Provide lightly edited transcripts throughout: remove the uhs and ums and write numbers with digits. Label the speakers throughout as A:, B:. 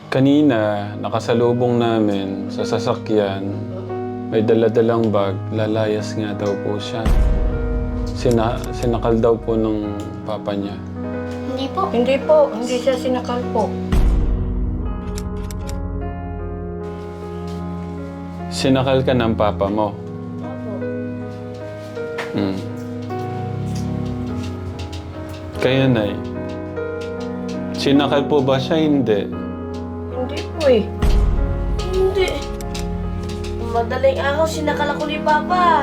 A: Kanina, nakasalubong namin sa sasakyan, may dala-dalang bag, lalayas nga daw po siya. Sinakal daw po ng papa niya.
B: Hindi po.
C: Hindi po, hindi siya sinakal po.
A: Sinakal ka ng papa mo.
C: Opo.
A: Hmm. Kaya, Nay, sinakal po ba siya? Hindi.
C: Hindi po eh.
B: Hindi. Madaling araw, sinakal ako ni Papa.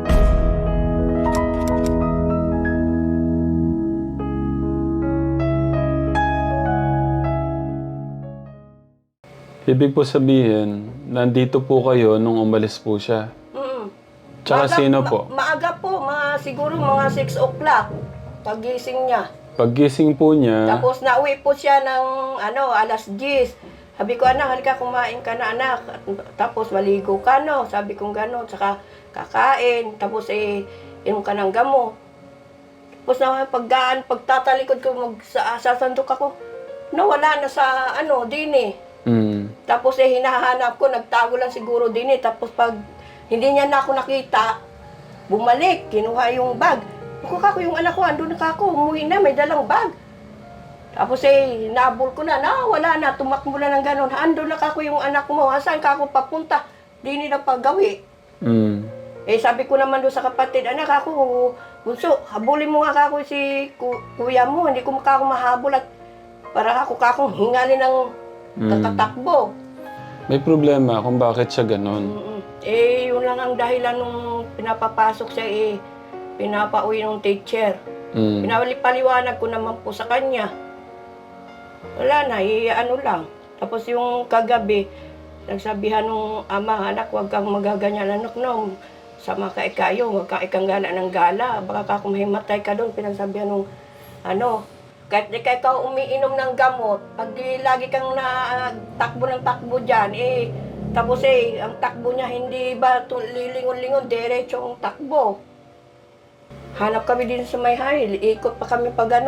A: Ibig po sabihin, nandito po kayo nung umalis po siya.
C: Mm.
A: Tsaka sino po?
C: Maaga po, siguro mga 6 o'clock. Pagising niya.
A: Paggising po niya,
C: Tapos nauwi po siya ng alas 10. Sabi ko, anak, halika kumain ka na, anak. Tapos maligo ka, no? Sabi ko gano'n. Saka kakain. Tapos inom ka ng gamot. Tapos na pagtatalikod ko, sasandok ako. Nawala na sa din eh. Tapos hinahanap ko, nagtago lang siguro din eh. Tapos pag hindi niya na ako nakita, bumalik, kinuha yung bag. Ako kako, yung anak ko, andun na kako, umuwi na, may dalang bag. Tapos nabol ko na, wala na, tumakbo na ng gano'n. Andun na kako yung anak mo, saan kako papunta? Di nila paggawi. Sabi ko naman doon sa kapatid, anak ako, bunso, habulin mo nga kako si kuya mo, hindi ko kako mahabol at para kako hingalin ng kakatakbo.
A: may problema kung bakit siya ganon.
C: Yun lang ang dahilan nung pinapapasok siya, pinapauwi ng teacher. Pinapaliwanag ko naman po sa kanya. Wala na, lang. Tapos yung kagabi, nagsabihan nung ama, anak, huwag kang magaganyan, anak, no. Sama ka ikayo, huwag kang ikang gala ng gala. Baka kung mahimatay ka doon, pinagsabihan nung, kahit di ka ikaw umiinom ng gamot, pag lagi kang takbo ng takbo dyan, tapos ang takbo niya hindi ba lilingon-lingon, diretsong takbo. Hanap kami din sa may high, ikot pa kami pag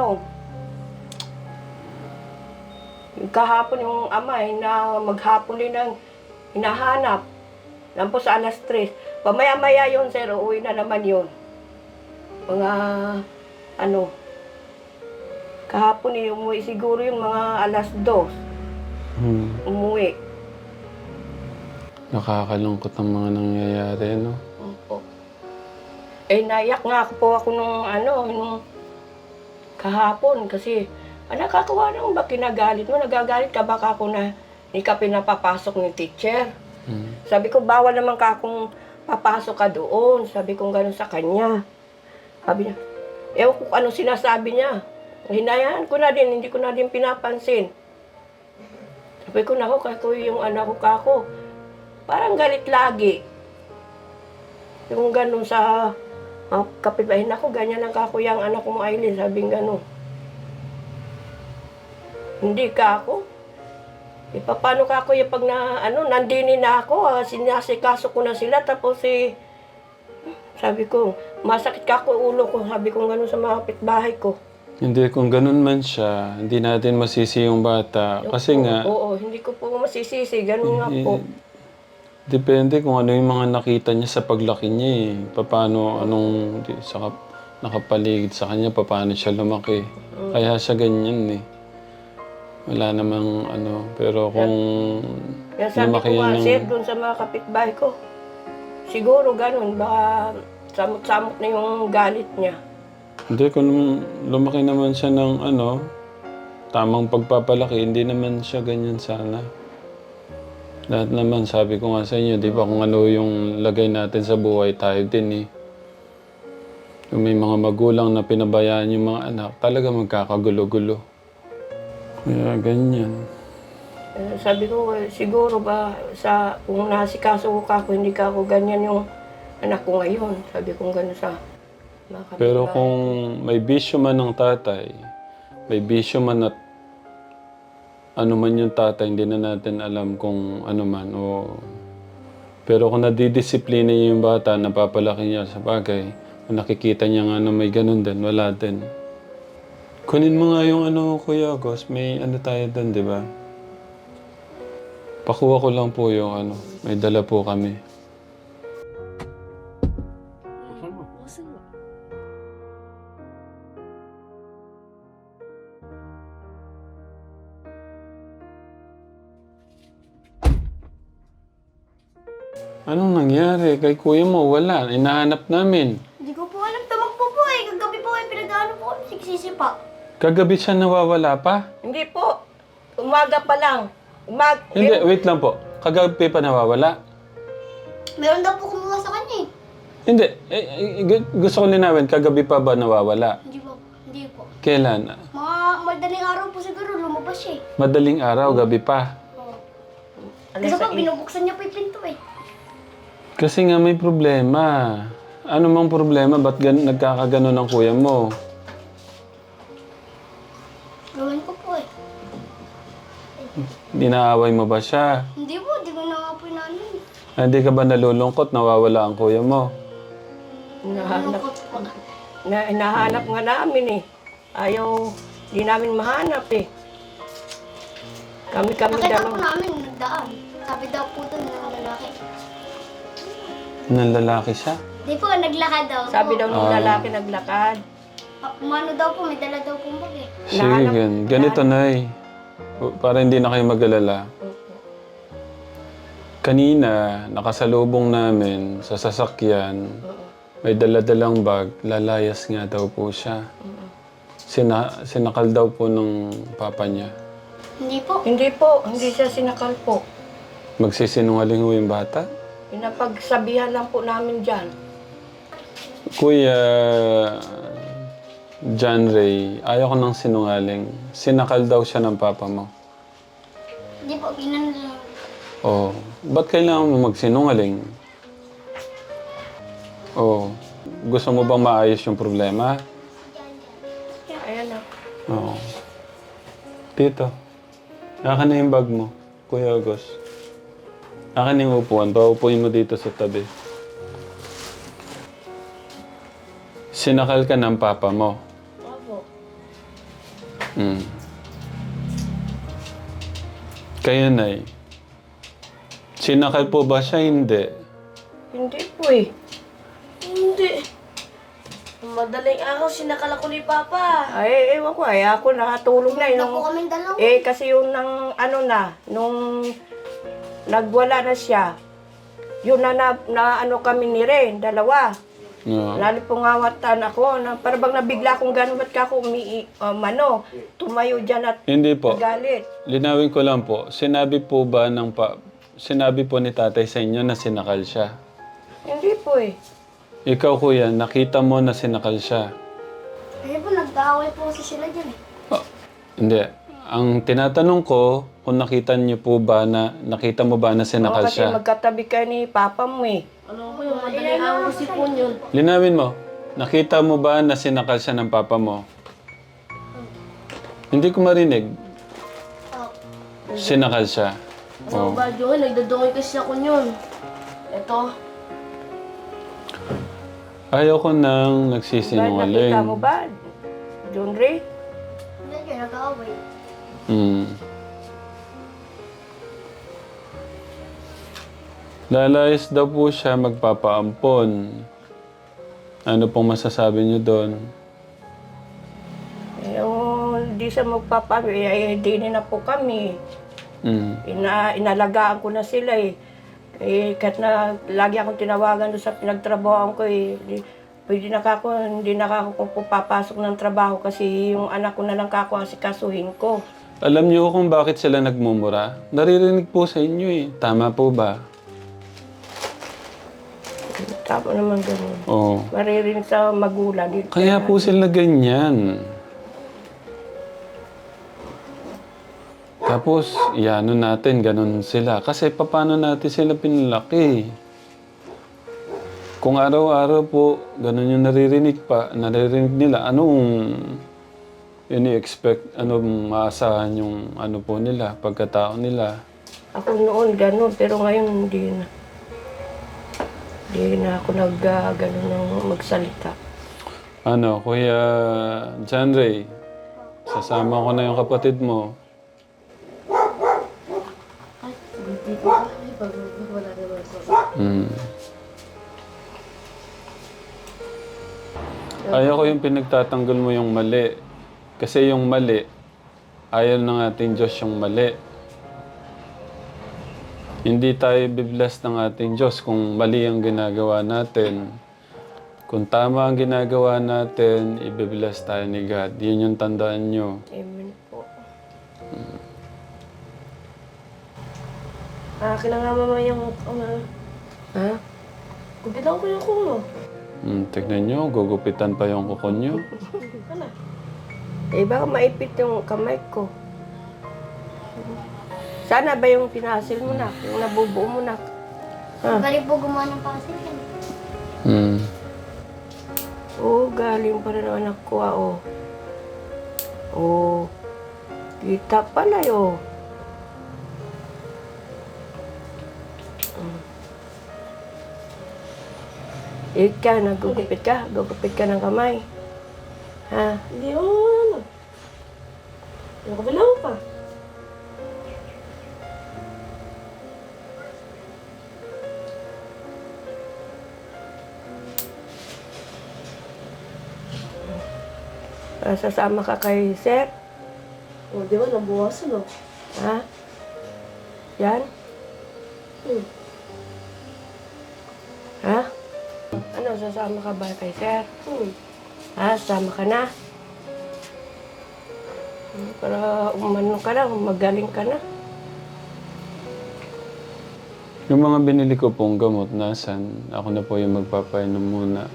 C: kahapon yung ama, na maghapon din ang hinahanap. Lampos sa alas 3. Pamaya-maya yun, sir, uwi na naman yun. Mga, kahapon umuwi siguro yung mga alas 2. Umuwi.
A: Nakakalungkot ang mga nangyayari, no?
C: Opo. Naiyak nga po ako nung kahapon kasi, nakakawa naman ba kinagalit mo? Nagagalit ka baka ako na hindi ka pinapapasok ng teacher? Sabi ko, bawal naman ka kung papasok ka doon. Sabi ko gano'n sa kanya. Sabi niya, ewan ko ano sinasabi niya. Hinayaan ko na din, hindi ko na din pinapansin. Sabi ko, naku, kako yung anak ko kako. Parang galit lagi. Yung gano'n sa kapitbahay, naku, ganyan ang kako yung anak ko mo, Aileen. Sabi gano'n. Hindi ka ako. Paano ka ako yung pag nandini na ako, sinasikaso ko na sila, tapos sabi ko, masakit ka ako ulo ko, sabi ko gano'n sa mga kapitbahay ko.
A: Hindi, kung ganun man siya, hindi natin masisi yung bata. Kasi nga,
C: Oo, hindi ko po masisisi, gano'n nga po.
A: depende kung ano yung mga nakita niya sa paglaki niya eh. Paano, nakapaligid sa kanya, paano siya lumaki. Kaya siya ganyan eh. Wala namang pero kung
C: Kaya sabi ko nga, sir, doon sa mga kapitbahay ko, siguro gano'n, baka samot-samot na yung galit niya.
A: Hindi, kung lumaki naman siya ng tamang pagpapalaki, hindi naman siya ganyan sana. Lahat naman, sabi ko nga sa inyo, di ba, kung ano yung lagay natin sa buhay, tayo din eh. Kung may mga magulang na pinabayaan yung mga anak, talaga magkakagulo-gulo. Kaya ganyan.
C: Sabi ko, siguro ba, kung nasikaso ko kako, hindi ka ako ganyan yung anak ko ngayon. Sabi ko gano'n sa mga kapitbahay.
A: Pero kung may bisyo man ng tatay, may bisyo man at ano man yung tatay, hindi na natin alam kung ano man. Pero kung nadidisiplina niya yung bata, napapalaki niya sa bagay, kung nakikita niya nga na may ganun din, wala din. Kunin mo nga yung Kuya August, may tayo doon, di ba? Pakuha ko lang po yung ano. May dala po kami. Anong nangyari? Kay kuya mo, wala. Inahanap namin.
B: Hindi ko po alam. Tumakbo po eh. Kagabi po eh. Pinag-ano po kami. Sigsisi pa.
A: Kagabi siya nawawala pa?
C: Hindi po. Umaga pa lang.
A: Hindi, wait lang po. Kagabi pa nawawala?
B: Meron daw po kumuha sa kanya eh.
A: Hindi. Gusto ko linawin, kagabi pa ba nawawala?
B: Hindi po. Hindi po.
A: Kailan?
B: Mga madaling araw po siguro. Lumabas siya eh.
A: Madaling araw, gabi pa.
B: Kasi po binubuksan niya po yung pinto eh.
A: Kasi nga may problema. Ano mang problema? Ba't nagkakagano ng kuya mo?
B: Gawin ko po eh.
A: Dinaaway mo ba siya?
B: Hindi po. Hindi ko na nga po inaano eh.
A: Hindi ka ba nalulungkot? Nawawala ang kuya mo?
C: Nahanap, nahanap nga namin eh. Ayaw, di namin mahanap eh. Kami
B: Nakita po
C: dalawa.
B: namin nagdaan. Sabi daw po doon ng lalaki.
A: Nang lalaki siya?
B: Hindi po, naglakad daw po.
C: Sabi daw ng lalaki naglakad.
B: Umano daw po, may dala daw po bag eh.
A: Sige, ganito Nay. Para hindi na kayo mag-alala. Kanina, nakasalubong namin sa sasakyan, may daladalang bag, lalayas nga daw po siya. Sinakal daw po ng papa niya.
B: Hindi po.
C: Hindi po, hindi siya sinakal po.
A: Magsisinungaling ho yung bata?
C: Pinapagsabihan lang po namin dyan.
A: Kuya John Ray, ayaw ko ng sinungaling. Sinakal daw siya ng papa mo.
B: Hindi po, ginan lang.
A: Oh, ba't kailangan mo magsinungaling? Oh, gusto mo bang maayos yung problema?
C: Ayan na.
A: Oo. Tito, akin na yung bag mo, Kuya August. Akin yung upuan, paupuin mo dito sa tabi. Sinakal ka ng papa mo.
C: Opo.
A: Hmm. Kayo, Nay. Sinakal po ba siya? Hindi.
C: Hindi po eh.
B: Hindi. Madaling araw, sinakal ako ni Papa.
C: Ay, ewan ko, ay ako nakatulog na.
B: Hindi po
C: Nung,
B: kaming dalawa.
C: kasi yung nang, ano na, nung nagwala na siya, yun na ano kami ni Ren, dalawa.
A: No.
C: Lalo pong ngawatan ako, na, para bang nabigla akong gano'n, ba't ka ako tumayo dyan at
A: Hindi po.
C: galit.
A: Linawin ko lang po. Sinabi po ba ng sinabi po ni tatay sa inyo na sinakal siya?
C: Hindi po eh.
A: Ikaw, kuya, nakita mo na sinakal siya?
B: Kasi po, nag-aaway po kasi sila dyan eh.
A: Oh, hindi. Ang tinatanong ko, kung nakita niyo po ba na, nakita mo ba na sinakal
C: Kasi
A: siya?
C: magkatabi ka ni Papa mo eh.
B: Ano po yung madaling araw kasi po yun?
A: Linawin mo. Nakita mo ba na sinakal siya ng papa mo? Hindi ko marinig. Sinakal siya.
B: So, ba yun? Nagdadungay kasi ako yun. Ito.
A: Ayaw ko nang
C: Ba,
A: nagsisinungaling.
C: nakita mo ba, John Ray?
B: Hindi yun, nag-aaway.
A: Hmm. Lalayas daw po siya magpapaampon. Ano pong masasabi niyo doon?
C: Hindi siya hindi na po kami.
A: Hmm.
C: Inalagaan ko na sila eh. Kahit na lagi akong tinawagan doon sa pinagtrabahoan ko eh. Hindi na ako papasok ng trabaho kasi yung anak ko na lang asikasuhin ko.
A: Alam niyo kung bakit sila nagmumura? Naririnig po sa inyo eh. Tama po ba?
C: Tama naman ganun.
A: Oo.
C: Maririnig sa magulang.
A: Kaya po sila ganyan. Tapos, iano natin, ganun sila. Kasi paano natin sila pinalaki? Kung araw-araw po, ganun yung naririnig nila, anong ini-expect, anong maasahan yung ano po nila, pagkatao nila?
C: Ako noon ganun, pero ngayon hindi na. Hindi na ako ganun ng magsalita.
A: Ano, Kuya John Ray, sasama ko na yung kapatid mo.
B: Dito kami pag wala naman ako.
A: Mm. Ayaw ko yung pinagtatanggol mo yung mali. Kasi yung mali, ayaw ng ating Diyos yung mali. Hindi tayo bibless ng ating Diyos kung mali ang ginagawa natin. Kung tama ang ginagawa natin, ibibless tayo ni God. Yun yung tandaan nyo.
C: Amen po.
B: Akin na nga mama yung
C: Ha?
B: Kupitan ko yung kulo.
A: Tignan nyo, gugupitan pa yung kuko nyo.
B: Ano?
C: Eh, baka maipit yung kamay ko. Sana ba yung pinasil mo na? Yung nabubuo mo na? Ha?
D: Galing po gumawa ng pasil yan.
A: Hmm.
C: Oo, galing pa rin ang anak ko, oh. Oo. Kita pala, oh. Ikaw, nagugupit ka? Gugupit ka ng kamay? Ha?
B: Hindi ako ano. Yung kabila mo pa.
C: Sasama ka kay Sir?
B: O, di ba nabuwasan o?
C: Ha? Yan?
B: Hmm.
C: Ha? Ano, sasama ka ba kay Sir? Ha? Sasama ka na? Para umano ka na, magaling ka na.
A: Yung mga binili ko pong gamot, nasan? Ako na po yung magpapainom muna.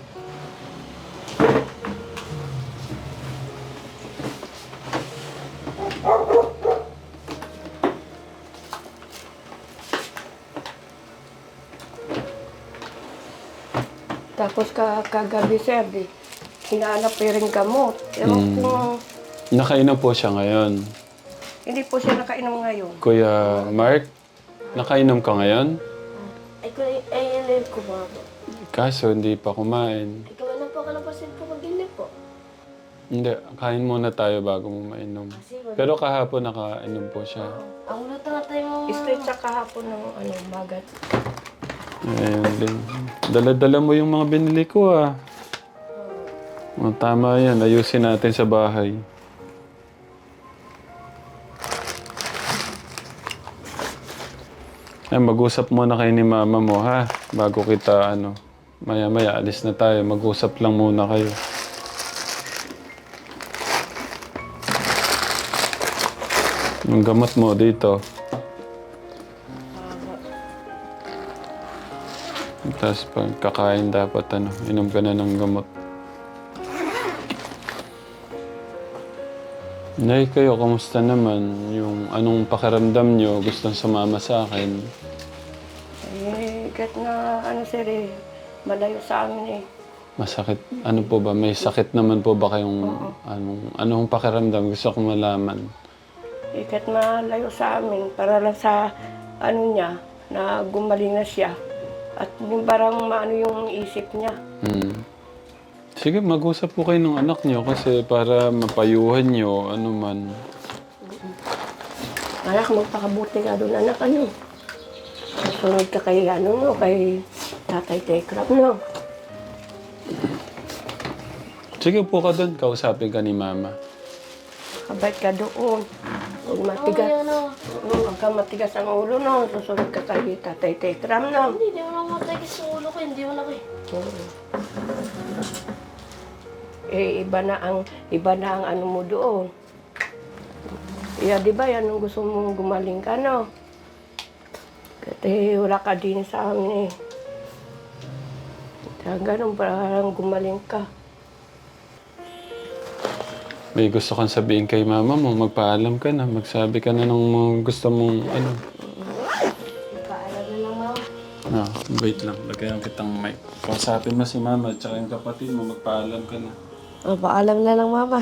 C: Tapos kagabi, Sir, di, hinahanap ko rin gamot. Ewan kung
A: Nakainom po siya ngayon.
C: hindi po siya nakainom ngayon.
A: Kuya Mark, nakainom ka ngayon?
B: Ay, ko ba po?
A: Kaso hindi pa kumain.
B: Ikaw na po ka ng pasil po pag-inip po.
A: Hindi, kain muna tayo bago mo mainom.
B: Kasi wala.
A: Pero kahapon nakainom po siya.
B: Ang luto nga tayo mo.
C: Straight sa kahapon ng magat.
A: Ayun din. Dala-dala mo yung mga binili ko ah. O, tama yan. Ayusin natin sa bahay. Ay, mag-usap muna kayo ni mama mo ha. Bago kita ano. Maya-maya alis na tayo. Mag-usap lang muna kayo. Yung gamot mo dito. Tapos pag kakain dapat ano, inom ka na ng gamot. Nay, kayo, kamusta naman? Yung anong pakiramdam nyo? Gustong sumama sa akin?
C: Kahit na, Sir, malayo sa amin eh.
A: Masakit. Ano po ba? May sakit naman po ba kayong anong pakiramdam? Gusto kong malaman.
C: Kahit malayo sa amin, para lang sa, niya, na gumaling na siya. At yung parang maano yung isip niya.
A: Sige, mag-usap po kayo ng anak nyo kasi para mapayuhan nyo, ano man.
C: Anak, magpakabuti ka doon, anak, sunod ka kay, kay Tatay Tekrap, no?
A: Sige po ka doon, kausapin ka ni Mama.
C: Kabait ka doon. Huwag matigas. Huwag ka matigas ang ulo, no? Susunod ka kay Tatay Tekram, no?
B: Hindi mo na matagis sa ulo ko. Hindi mo na kayo.
C: Iba na ang ano mo doon. Di ba yan ang gusto mong gumaling ka, no? Kasi wala ka din sa amin, eh. Kaya ganun, parang gumaling ka.
A: May gusto kang sabihin kay Mama mo, magpaalam ka na, magsabi ka na ng mga gusto mong ano.
B: Paalam na lang mama.
A: Wait lang, lagayan kitang mic. Kausapin mo si Mama at saka yung kapatid mo, magpaalam ka na.
B: O, paalam na lang mama.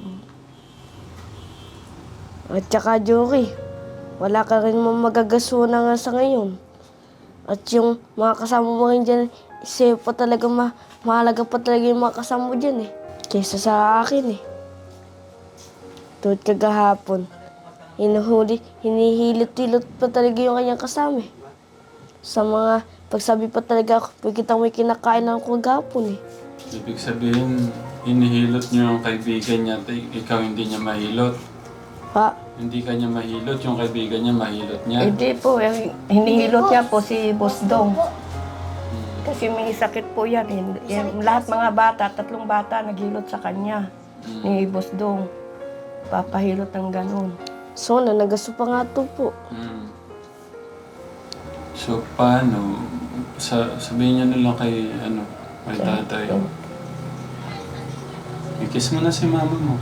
B: At saka Jory, wala ka rin mo magagasuna nga sa ngayon. At yung mga kasama mo rin dyan, isa pa talaga mahalaga pa talaga yung mga kasama mo dyan eh. Kaysa sa akin eh. Tulad kagahapon, hinihilot-hilot pa talaga yung kanyang kasama eh. Sa mga pagsabi pa talaga ako, pagkita may kinakain ako kagapon eh.
A: Ibig sabihin, hinihilot niyo yung kaibigan niya, ikaw hindi niya mahilot.
B: Pa,
A: Hindi ka niya mahilot, yung kaibigan niya mahilot niya.
C: Hindi po, hinihilot niya po si Boss Dong. Kasi may sakit po yan. Lahat mga bata, 3 bata naghilot sa kanya ni Boss Dong. Papahilot ng ganun.
B: so nagaso pa nga to po.
A: Mm. So, paano? Sabihin niyo na lang kay, kay tatay. I-kiss mo na si mama mo.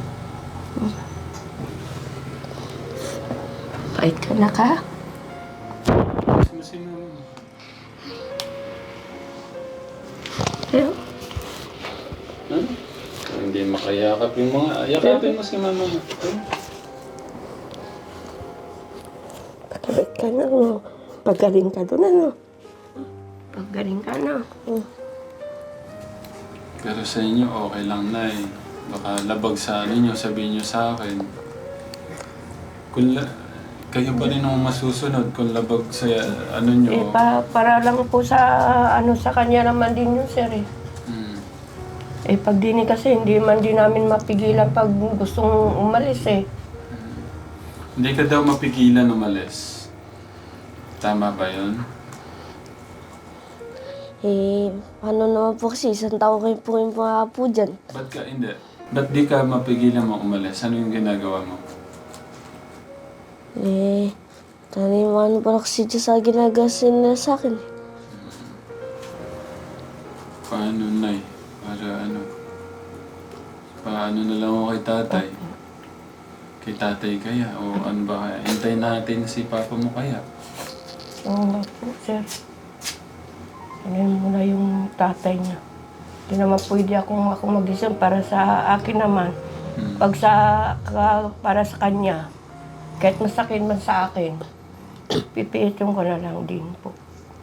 C: Bait ka na ka?
A: Kiss mo si mama mo.
C: Pero,
A: Huh? Hindi makayakap yung mga... Yakapin mo si mama mo.
C: bait ka na, no? Pagaling ka doon, ano? Pagaling ka na.
A: Pero sa inyo, okay lang na eh. Baka labag sa niyo, sabihin niyo sa akin. Kayo pa rin ang masusunod kung labag sa niyo.
C: Para lang po sa kanya naman din yun, sir, eh.
A: Mm.
C: Pag dini kasi, hindi man din namin mapigilan pag gustong umalis, eh.
A: Hindi ka daw mapigilan umalis. Tama ba yun?
B: Ano naman po kasi, isang taon kayo po yung mga po dyan.
A: Hindi. Ba't di ka mapigilan mo umalis? Ano yung ginagawa mo?
B: Taniman pa kasi dyan sa ginagasin nila sa akin.
A: Paano, Nay? Paano na lang ako kay tatay? Kay tatay kaya? O ano ba kaya? Hintayin natin si papa mo kaya?
C: Oo nga po, sir. Ano muna yung tatay niya. Hindi naman pwede ako mag-isip para sa akin naman. Pag para sa kanya, kahit masakit man sa akin, pipiitin ko na lang din po.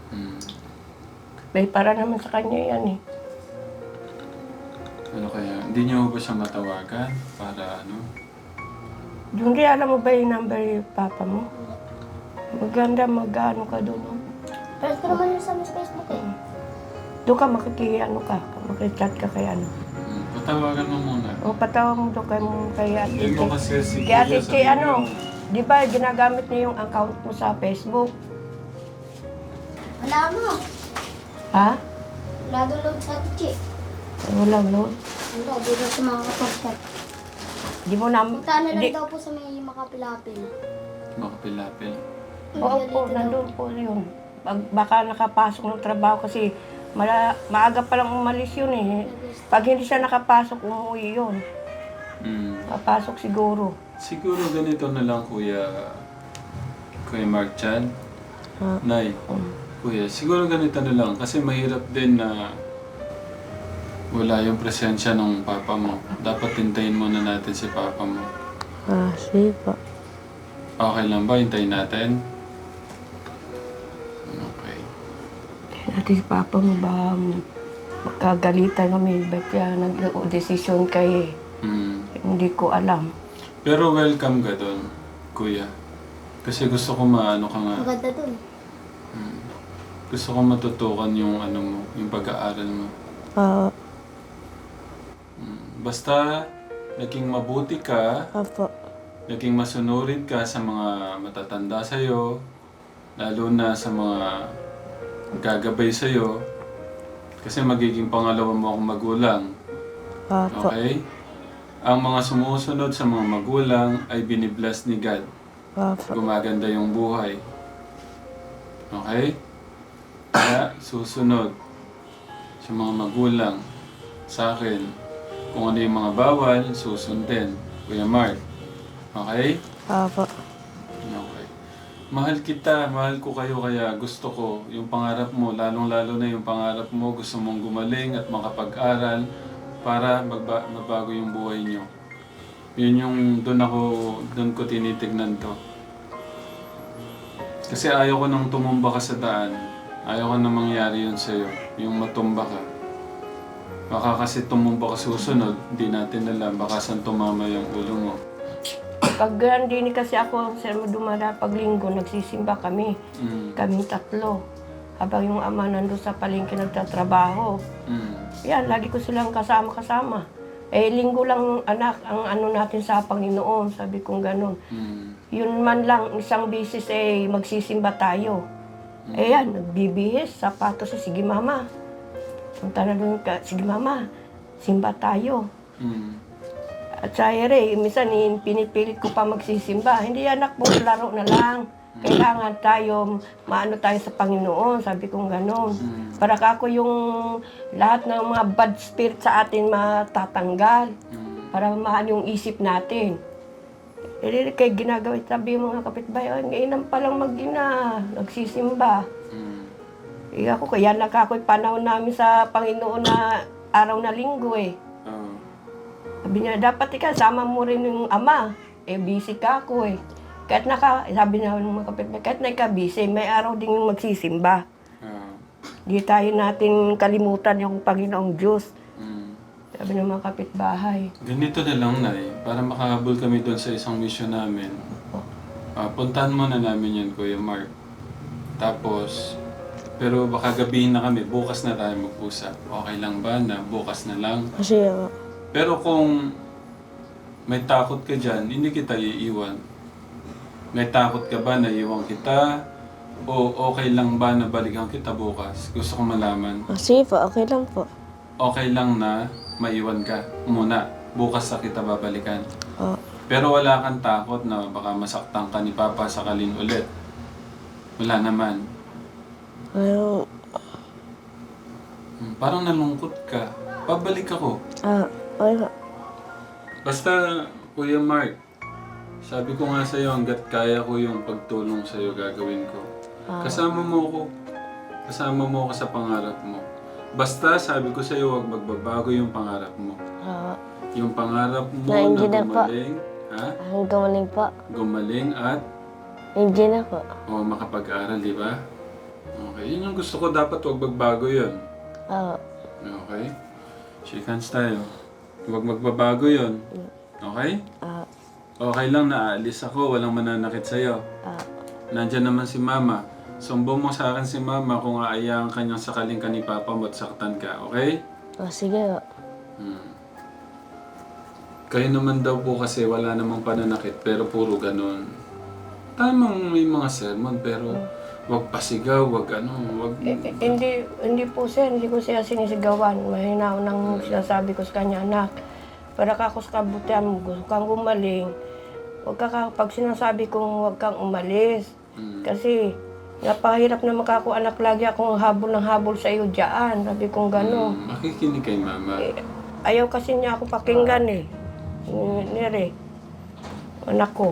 C: Para naman sa kanya yan eh.
A: Ano kaya? Hindi niyo ba siya matawagan? Para
C: Junri, alam mo ba yung number yung papa mo? Maganda, mag-ano ka doon.
B: Pero ko naman yun sa Facebook eh.
C: Doon ka makikichat ka kay ano.
A: Patawagan mo muna.
C: O patawag mo doon kay Ate
A: Hindi mo
C: Che.
A: kasi si
C: Kay Ate
A: Kuya
C: Che,
A: sabihin mo.
C: di ba ginagamit niya yung account mo sa Facebook?
B: Wala mo.
C: Ha?
B: Wala download sa Tichi.
C: Wala, no?
B: Wala, di ba sa mga kapag-chat.
C: Di mo na...
B: Punta na lang
C: di-
B: daw po sa may makapilapil.
A: Makapilapil.
C: Oo po, nandun po yun. Baka nakapasok ng trabaho kasi maaga pa lang umalis yun eh. Pag hindi siya nakapasok, umuwi yun. Papasok siguro.
A: Siguro ganito na lang, Kuya Mark Chan. Nay, Kuya, siguro ganito na lang. Kasi mahirap din na wala yung presensya ng papa mo. Dapat hintayin muna natin si papa mo.
B: Sige po.
A: Okay lang ba? Hintayin natin? Okay.
C: Natin si Papa mo ba magkagalitan kami? Ba't kaya nag-desisyon kayo eh? Hindi ko alam.
A: Pero welcome ka doon, Kuya. Kasi gusto ko maano ka nga.
B: Maganda dun.
A: Gusto ko matutukan yung mo, yung pag-aaral mo. Basta naging mabuti ka,
B: Apo.
A: naging masunurin ka sa mga matatanda sa'yo, lalo na sa mga gagabay sa'yo, kasi magiging pangalawa mo akong magulang.
B: Apo.
A: Okay? Ang mga sumusunod sa mga magulang ay binibless ni God.
B: Apo.
A: Gumaganda yung buhay. Okay? Kaya susunod sa mga magulang, sa akin, kung ano yung mga bawal, susundin. Kuya Mark. Okay?
B: Apo.
A: Okay. Mahal kita, mahal ko kayo kaya gusto ko yung pangarap mo, lalong-lalo na yung pangarap mo, gusto mong gumaling at makapag-aral para mabago yung buhay nyo. Yun yung doon ko tinitignan to. Kasi ayaw ko nang tumumba ka sa daan. Ayaw ko nang mangyari yun sa'yo, yung matumba ka. Baka kasi tumumba ka susunod, hindi natin alam, baka saan tumama yung ulo mo.
C: Pag hindi kasi ako, sir, dumala pag linggo, nagsisimba kami. Kaming tatlo. Habang yung ama nandun sa palengke nagtatrabaho. Yan, lagi ko silang kasama-kasama. Linggo lang anak, ang ano natin sa Panginoon, sabi kong gano'n. Yun man lang, isang bisis magsisimba tayo. Yan, nagbibihis, sapatos, sige mama. Punta na doon ka, sige mama, simba tayo. At sa minsan pinipilit ko pa magsisimba. Hindi anak po, laro na lang. Kailangan tayo, maano tayo sa Panginoon, sabi kong gano'n. Para ako yung lahat ng mga bad spirit sa atin matatanggal. Para maano yung isip natin. Kaya ginagawa, sabi yung mga kapitbahay, ngayon pa lang nagsisimba. Ako, kaya ako'y panahon namin sa Panginoon na araw na linggo Sabi niya, dapat sama mo rin yung ama. Busy ka ako Kahit sabi niya ng mga kapitbahay, kahit busy, may araw din yung magsisimba. Di tayo natin kalimutan yung Panginoong Diyos. Sabi ng mga kapitbahay.
A: Ganito na lang, Nay, para makahabol kami doon sa isang mission namin. Puntahan muna namin yan, Kuya Mark. Tapos, pero baka gabihin na kami, bukas na tayo mag-usap. Okay lang ba na bukas na lang?
B: Kasi,
A: Pero kung may takot ka dyan, hindi kita iiwan. May takot ka ba na iwan kita? O okay lang ba na balikan kita bukas? Gusto ko malaman.
B: sige po, okay lang po.
A: Okay lang na maiwan ka muna. Bukas sa kita babalikan. Pero wala kang takot na baka masaktan ka ni Papa sakalin ulit. Wala naman. Parang nalungkot ka. Pabalik ako.
B: Okay po.
A: Basta, Kuya Mark, sabi ko nga sa'yo, hanggat kaya ko yung pagtulong sa'yo, gagawin ko. Kasama mo ako. Kasama mo ako sa pangarap mo. Basta, sabi ko sa'yo, huwag magbabago yung pangarap mo. Yung pangarap mo na gumaling,
B: Gumaling po.
A: gumaling at
B: Engineer po.
A: makapag-aral, di ba? Okay, yun yung gusto ko. Dapat huwag magbago yun. Okay? Shake hands tayo. Huwag magbabago yun. Okay? Okay lang na aalis ako, walang mananakit sa'yo. Nandyan naman si Mama. Sumbong mo sa akin si Mama kung aayaan ka niyang sakaling ka ni Papa mo at saktan ka, okay?
B: Sige po.
A: Kayo naman daw po kasi wala namang pananakit pero puro ganun. Tamang may mga sermon pero wag pasigaw, wag wag...
C: Hindi po sir, hindi ko siya sinisigawan. Mahina nang sinasabi ko sa kanya, anak, para ka ako sa kabutihan mo, gusto kang gumaling. Pag sinasabi kong wag kang umalis. Kasi napahirap na makako anak, lagi akong habol ng habol sa iyo dyan. Sabi kong gano'n.
A: Makikinig kay Mama.
C: Ayaw kasi niya ako pakinggan Nere, anak ko.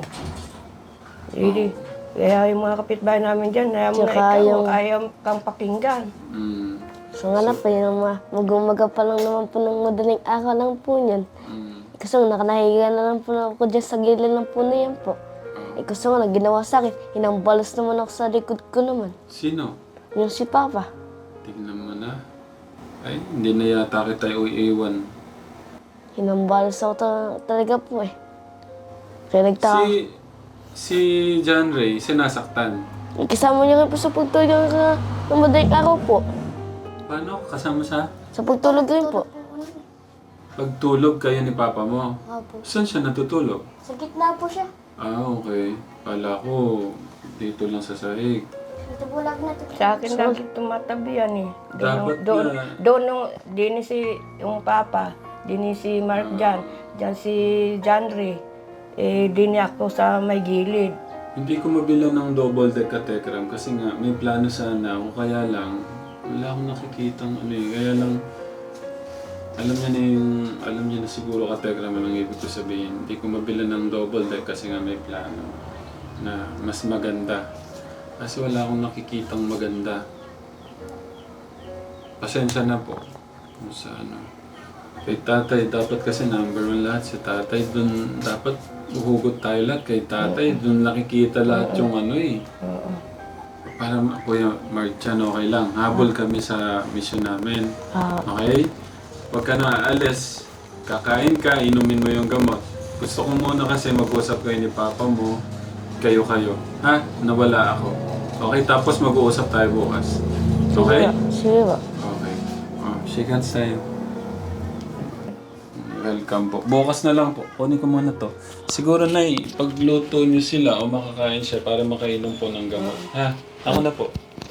C: Kaya yung mga kapitbahay namin dyan, ayaw kang pakinggan.
B: So nga na po, mag-umaga pa lang naman po ng madaling araw lang po yan. Kasi nakanahiga na lang po ako dyan sa gilid ng puno yan po. Kasi nga, ginawa sa akin, hinambalas naman ako sa likod ko naman.
A: Sino?
B: Yung si Papa.
A: Tignan mo na. Ay, hindi na yata kita iiwan.
B: Hinambalas ako talaga po Kaya nagtaka.
A: Si John Ray, sinasaktan.
B: Kasama niya rin po sa pagtulog ng madaling araw po.
A: Paano? Kasama sa?
B: Sa pagtulog rin po.
A: Pagtulog kayo ni Papa mo.
B: Opo.
A: Saan siya natutulog?
B: Sa gitna po siya.
A: Okay. Kala ko, dito lang sa sahig.
B: Ito po lang na ito.
C: Sa akin lagi tumatabi yan
A: Dapat
C: Doon din yung Papa, din si Mark dyan si John Ray. Din ako sa may gilid.
A: Hindi ko mabilan ng double deck katekram kasi nga may plano sana ako, kaya lang wala akong nakikitang kaya lang alam niya na siguro katekram ang ibig ko sabihin. Hindi ko mabilan ng double deck kasi nga may plano na mas maganda. Kasi wala akong nakikitang maganda. Pasensya na po kung sa Kay tatay, dapat kasi number 1 lahat si tatay. Doon dapat uhugot tayo lahat kay tatay. Doon nakikita lahat yung Para Kuya Marchan, okay lang. Habol kami sa mission namin. Okay? Huwag ka na aalis. Kakain ka, inumin mo yung gamot. Gusto ko muna kasi mag-usap kayo ni Papa mo. Kayo-kayo. Ha? Nawala ako. Okay, tapos mag-uusap tayo bukas. Okay?
B: Sige ba?
A: Okay. Oh, shake hands tayo. Welcome po. Bukas na lang po. Kunin ko muna to. Siguro na pagluto niyo sila o makakain siya para makainom po ng gamot. Ha? Ako na po.